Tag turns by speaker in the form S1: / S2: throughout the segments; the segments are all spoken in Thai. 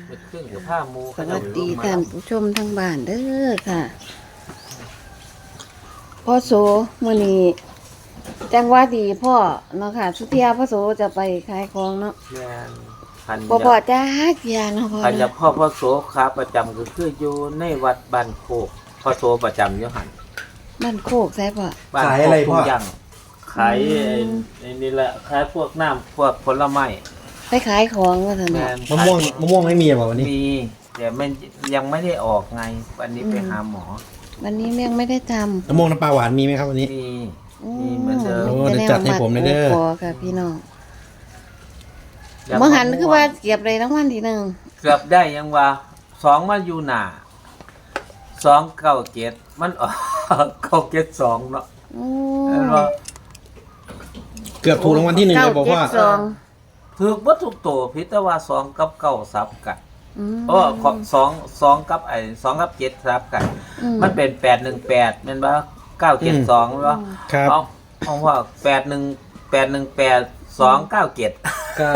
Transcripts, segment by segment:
S1: เป็นเครื่องกับผ้ามู
S2: สวัสดีท่านผู้ชมทั้งบ้านเด้อค่ะพ่อโสมื้อนี้จังหวะดีพ่อเนาะค่ะสุเทียพ่อโสจะไปขายของเนาะ
S1: แม่นพัน
S2: บ่พอจ้าเกียเนาะพ่อ
S1: พันยา
S2: เนาะ
S1: พ่อโสขาประจำก็คืออยู่ในวัดบ้านโคกพ่อโสประจำอยู่หัน
S2: มันโคกใช่ป่ะ
S1: บ้าน
S3: ขาย
S1: โค
S3: อะไร
S1: ก
S3: พ่อ
S1: ทุ่งยังขายไอ้นี่แหละขายพวกน้ำพวกผลไม้
S2: ไปขายของว่าซั่น
S1: แม่
S2: เนาะ
S1: น
S3: มะม่วงไม่มีเหรอวันนี้
S1: มีแต่มันยังไม่ได้ออกไงวันนี้ไปหาหมอ
S2: วันนี้แม่งไม่ได้ทำ
S3: มะม่วงน้ำปลาหวานมีไหมครับวันนี้
S1: มีเหมือนเดิม
S3: โอ้เดี๋ยวจัดให้ผมหน่อยเด้อ
S2: พอค่ะพี่น้องเมื่อหันคือว่าเก็บเลยรางวัลที่หนึ่ง
S1: เกือบได้ยังว่า2มาอยู่หน้า297มันออก972เนาะ
S2: โอ้
S1: เห็นบ่
S3: เกือบถูกรางวัลที่หนึ่งเลยบอกว่า
S2: 972
S1: ถูกบ่ถูกโตพิแต่ว่า2กับ9ซับกัน
S2: อืม
S1: โอ้2กับ2กับ7ซับกัน มันเป็น818แม่นบ่972แม่นบ่
S3: ครับ
S1: เอาว่า818 297
S3: ครับ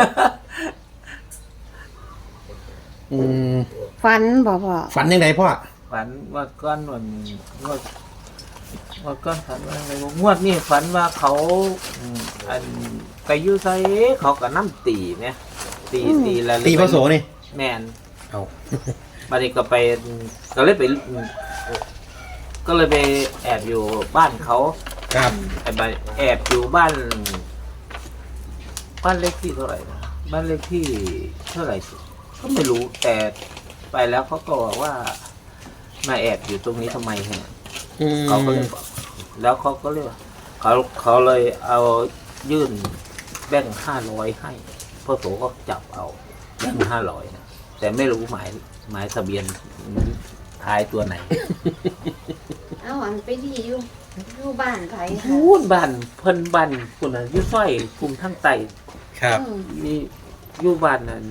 S3: อืม
S2: ฟันบ่พ่อ
S3: ฝันยังไงพ่อ
S1: ฝันว่าก้อนวันว่าก้อนฝันว่าอะไรบ่งวดนี่ฝันว่าเขาอันไปอยู่ไสเขาก็น้ำตีเนี่ยตีแล้ว
S3: ตีพระโสนี่
S1: แม่น
S3: เอา
S1: บัดนี้ก็ไปก็เลยไปแอบอยู่บ้านเขา
S3: ครับ
S1: แอบอยู่บ้านเลขที่เท่าไหร่นะบ้านเลขที่เท่าไหร่ก็ไม่รู้แต่ไปแล้วเขาก็บอกว่ามาแอบอยู่ตรงนี้ทำไมเนี่ย
S3: อืม
S1: เขาก็เลยบอกแล้วเขาก็เลยว่าเขาเลยเอายื่นแบงค์500ให้พ่อโสก็จับเอาแบงค์500นะแต่ไม่รู้หมายทะเบียนท้ายตัวไหน
S2: เอาอันไปดีอยู่บ้านไผค่ะ
S1: พูดบ้านเพิ่นบ้านคุณน่ะอยู่ซอยภูมิทั้งไต
S3: ครับ
S1: นี่อยู่บ้านนั่น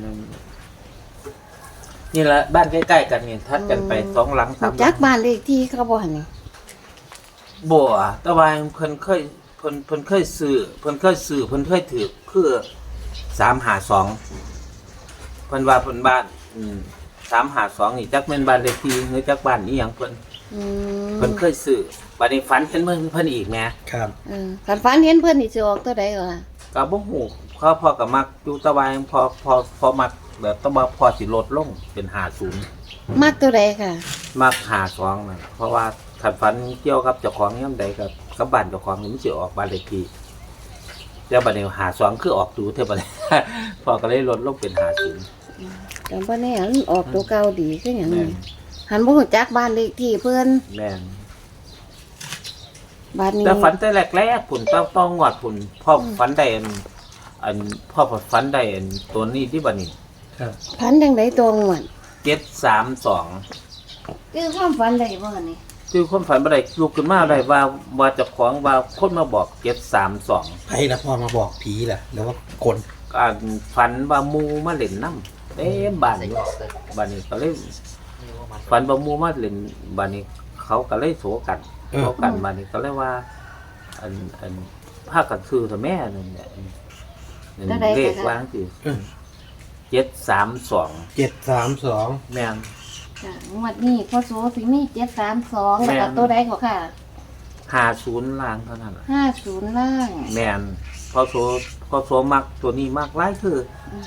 S1: นี่แหละบ้านใกล้ๆกันนี่ทัดกันไป2 หลัง 3 หลั
S2: จัก
S1: ง
S2: บ้านเลขที่เขาบ่หั่นนี่
S1: บ่แต่ว่าเพิ่นเคยซื้อเพิ่นเคยถือคือ352เพิ่นว่าเพิ่นบ้าน352นี่จักแม่นบ้านเลขที่หรือจักบ้านอีหยังเพิ่น
S2: อืม
S1: เพิ่นเคยซื้อบัดนี้ฝันเห็นเพิ่นอีกแหม
S3: ครับ
S2: คันฝันเห็นเพิ่นนี่สิออกตัวใดก็ล่ะ
S1: ก็บ่ฮู้พ่อก็มักอยู่แตะวาพอมักแบบต้องมาพอสิลดลงเป็น50
S2: มักตัวใดค่ะ
S1: มัก52นั่นเพราะว่าคันฝันเกี่ยวกับเจ้าของยามใดกับบ้านเจ้าของนี่มันสิออกบ้านเลขที่แล้วบัดนี้52คือออกดูเท่าบัดนี้ พ่อก็เลยลดลงเป็น50
S2: แต่บ่แน่มันออกตัวเก่าดีคือหยัง
S1: แม่
S2: นี่
S1: น
S2: หันบ่ฮู้จักบ้านเลขที่เพิ่น
S1: แม่น
S2: บ้านนี้
S1: แต่ฝันแต่แรกๆพุ่นต้องงวดพุ่นพ่อฝันได้อันพ่อฝันได้อันตัวนี้ที่บัดนี้
S3: ครับ
S2: ฝันจังไดตรงหวน
S1: 732
S2: คือความฝันได้บ่หั่นนี่
S1: คือคนฝันบ่ได้ลุกขึ้นมาได้ว่าเจ้าของว่าคนมาบอก732
S3: ใครละพ่อมาบอกผีล่ะแล้วว่าคน
S1: อ่านฝันว่าหมูมาเล่นน้ำเต็มบ้านอยู่บ้านนี้ก็เลยฝันว่าหมูมาเล่นบ้านนี้เขาก็เลยโศกันบ้านนี้ก็เลยว่า อันภาคกันซื้อแต่แม่นั่นแหละเลขวางสิ732
S3: 732
S1: แม่น
S2: จ้ะงวดนี้พ่อโสสิมี732แล้วก็ตัวใดก็ค่ะ
S1: 50ล้านเท่านั้น
S2: 50ล่าง
S1: แม่นพอโซมักตัวนี้มากหลายคือ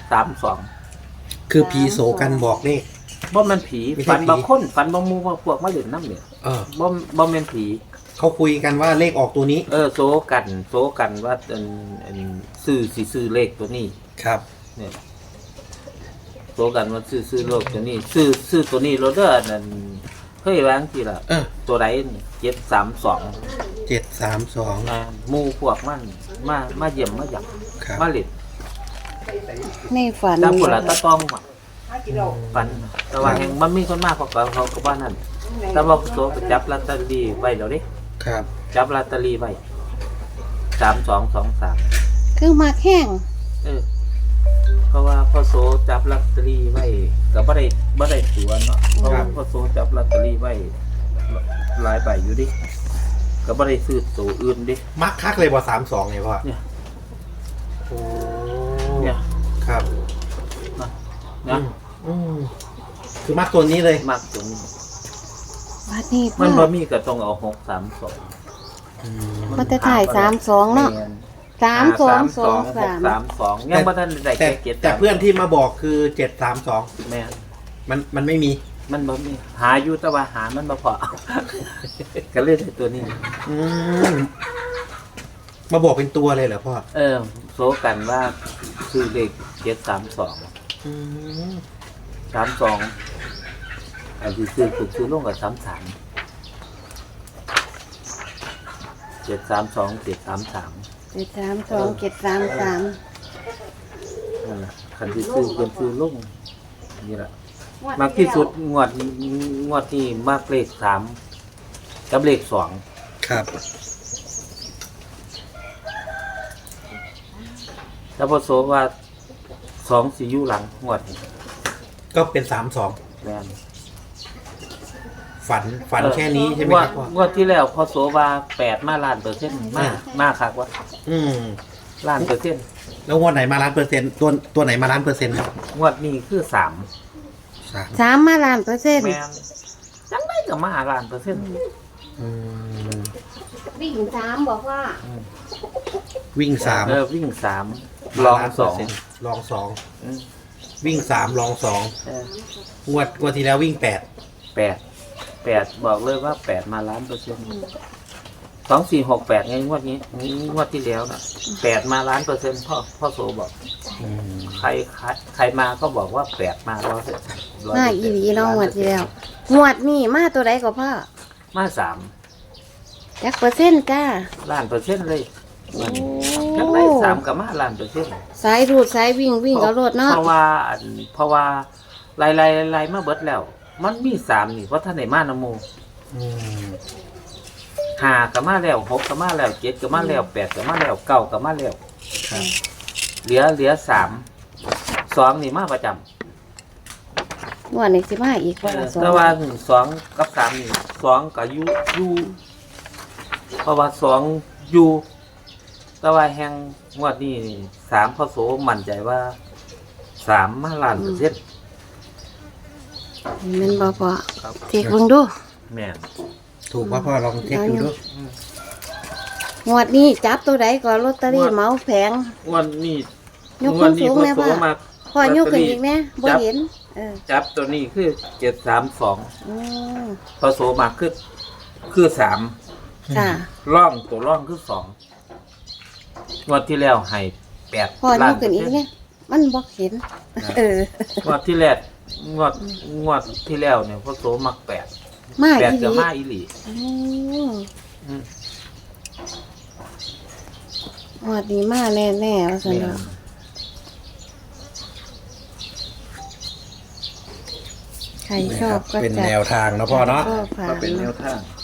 S1: 32
S3: คือผีโสกันบอกเลข
S1: บ่แม่นผี
S3: ไม่ใช่
S1: ฝันบ่
S3: ผี
S1: คนฝันบ่หมู่ว่าพวกมาเล่นน้ำเนี่ย บ่แม่นผี
S3: เขาคุยกันว่าเลขออกตัวนี้
S1: โซกันว่าอันซื้อเลขตัวนี้
S3: ครับ
S1: เนี่ยโซกันว่าซื้อเลขตัวนี้ซื้อตัวนี้รถเด้อนั่นเคยวางสิล่ะ ตัวใด732
S3: 732
S1: หมู่พวกมันมาเยี่ยมมาหยัก
S3: ครับ
S1: มาเล่น
S2: ในฝัน
S1: ตามพุ่นล่ะตะต้องว่ะฝันแต่ว่าแห่งมันมีคนมากกว่าเขาก็ว่านั่นแต่ว่าโซไปจับลอตเตอรี่ไว้แล้วเด้
S3: ครับ
S1: จับลอตเตอรี่ไว้3223
S2: คือมักแห้ง
S1: เพราะว่าพ่อโสจับลอตเตอรี่ไว้ก็บ่ได้ตัวเนาะเพราะว่าพ่อโสจับลอตเตอรี่ไว้หลายใบอยู่ดิก็บ่ได้ซื้อตัวอื่นดิ
S3: มักคักเลยบ่32เนี่ยพ่อ
S1: เนี่ย
S3: โอ้
S1: เนี่ย
S3: ครับ
S1: นะ
S3: อืมคือมักตัวนี้เลย
S1: มากตรงนี้
S2: บัดนี้พ่
S1: มั
S2: อน
S1: บ่มีก็ต้องเอา632
S3: อืม
S2: มันจะถ่าย32เนาะ
S1: แม่น
S2: 3223
S1: 632ยังบ่ทันได้
S3: แต่
S1: เก็บ
S3: แต่เพื่อนที่มาบอกคือ732
S1: แม่น
S3: มันไม่มี
S1: มันบ่มีหาอยู่แต่ว่าหามันบ่พอ ก็เลยได้ตัวนี้
S3: อืมมาบอกเป็นตัวเลยเหรอพ่อ
S1: โซกันว่าซื้อเลข732
S3: อืม
S1: 32อันที่ซื้อลงกับ33 732 733
S2: 732
S1: นั่นแหละคันที่ซื้อลงนี่แหละมากที่สุดงวดที่มากเลข3กับเลข2
S3: ครับ
S1: แล้วพอโซว่า2สิอยู่หลังงวดนี้
S3: ก็เป็น32
S1: แม่น
S3: ฝันแค่นี้ใช่ไหมครับพ่อง
S1: วดที่แล้วพอโสว่า8มาล้านเปอร์เซ็นต์มาคักว่า
S3: อืม
S1: ล้านเปอร์เซ็นต์
S3: แล้วงวดไหนมา1,000,000%ตัวไหนมา1,000,000ครับ
S1: งวดนี้คือ3
S2: 3มาล้านเปอร์เซ็นต์
S1: แม่นจังได๋ก็มาล้านเปอร์เซ็นต์
S3: อืม
S2: วิ่ง3บอกว่า
S3: วิ่ง3
S1: วิ่ง3ลอง2
S3: ลอง2
S1: อืม
S3: วิ่ง3ลอง
S1: เออ
S3: 2งวดที่แล้ววิ่ง
S1: 8บอกเลยว่า8มาล้านเปอร์เซ็นต์2468ไงงวดนี้งวดที่แล้วน่ะ8มาล้านเปอร์เซ็นต์พ่อโสบอก
S3: 8อืม
S1: ใครมาก็บอกว่า8มา100%
S2: มาอีหลีเนาะงวดที่แล้วงวดนี้มาตัวใดก็พ่อ
S1: มา
S2: จักเปอร์เซ็นต์จ้า
S1: 3ล้านเปอร์เซ็นต์เลย
S2: โอ้
S1: จังได๋3ก็มาล้านเปอร์เซ็นต์
S2: สายรูดสายวิ่งเอารถเนาะ
S1: เพราะว่าไล่มาเบิดแล้ว มันมี3นี่เพราะท่านได้มานำหมู่
S3: อืม
S1: 5ก็มาแล้ว6ก็มาแล้ว7ก็มาแล้ว8ก็มาแล้ว9ก็มาแล้ว
S3: ครับ
S1: เหลือ3 2นี่มาประจำ
S2: งวดนี้สิมาอีกว่าละสอง
S1: แต่ว่า2กับ3นี่2ก็อยู่เพราะว่า2อยู่แต่ว่าแห่งงวดนี้3พอโสมั่นใจว่า3มาล้านเปอร์เซ็นต์
S2: แม่นบ่พ่อ
S1: ครับ
S2: เทคเบิ่งดู
S1: แม่น
S3: ถูกป่ะพ่อลองเช็คดูด้วย
S2: งวดนี้จับตัวใดก็ลอตเตอรี่เหมาแผง
S1: งวดนี้
S2: ยก
S1: งวดนี้
S2: สูง
S1: พอ
S2: ๆแม่
S1: โส
S2: พ่อ
S1: มา
S2: พ่อยกขึ้นอีกแน่บ่เห็น
S1: จับตัวนี้คือ732
S2: อืม
S1: พอโสมาคือ3
S2: ค่ะ
S1: ร่องตัวร่องคือ2งวดที่แล้วให้8
S2: พ่อย
S1: ล้าก น
S2: ขึ้นอีกแน่มันบ่เห็น
S1: งวดที่แล้วงวดที่แล้วเนี่ยพอโสมัก8
S2: มาอี
S1: 8
S2: ห
S1: ก็
S2: ลี
S1: มาอีหลี
S2: อืม
S1: อืม
S2: งวดนี้มาแน่ๆว่าซั่น
S1: แม่
S2: เนาะ
S1: น
S2: ใครชอบก็
S3: เป็น
S2: จัด
S3: แนวทางนะพ่อเนาะ
S2: ก็ผ่า
S1: ก็
S2: น
S1: เป็นแนว
S2: เนาะ
S1: ทาง